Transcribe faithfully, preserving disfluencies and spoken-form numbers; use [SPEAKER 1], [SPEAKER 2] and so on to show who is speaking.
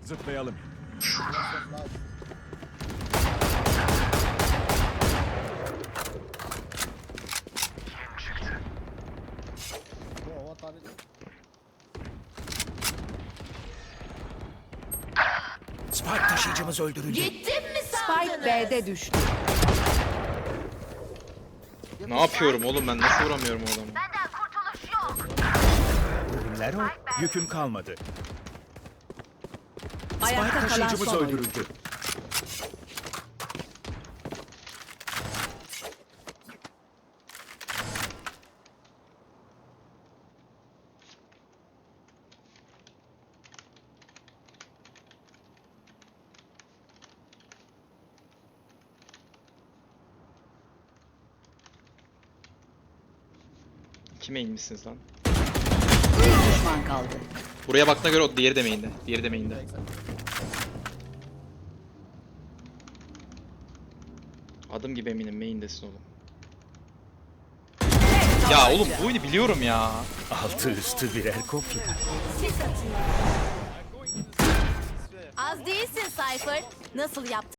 [SPEAKER 1] Zıplayalım.
[SPEAKER 2] Spike taşıyıcımız öldürüldü.
[SPEAKER 3] Gittim mi
[SPEAKER 4] Spike B'de düştü.
[SPEAKER 5] Ne yapıyorum oğlum ben? Nasıl vuramıyorum o adamı?
[SPEAKER 3] Benden kurtuluş yok.
[SPEAKER 2] Ölümler o.
[SPEAKER 1] Yüküm kalmadı.
[SPEAKER 4] Ayakta
[SPEAKER 2] Spike
[SPEAKER 4] kalan
[SPEAKER 2] taşıyıcımız
[SPEAKER 4] son oyuncu.
[SPEAKER 2] öldürüldü.
[SPEAKER 5] Kime inmişsiniz lan?
[SPEAKER 4] Bir düşman kaldı.
[SPEAKER 5] Buraya baktığına göre o diğeri de main'de. Diğeri de main'de. Adım gibi eminim main'desin oğlum. Ya oğlum bu oyunu biliyorum ya.
[SPEAKER 2] Altı üstü birer kopya.
[SPEAKER 3] Az değilsin Cypher. Nasıl yaptın?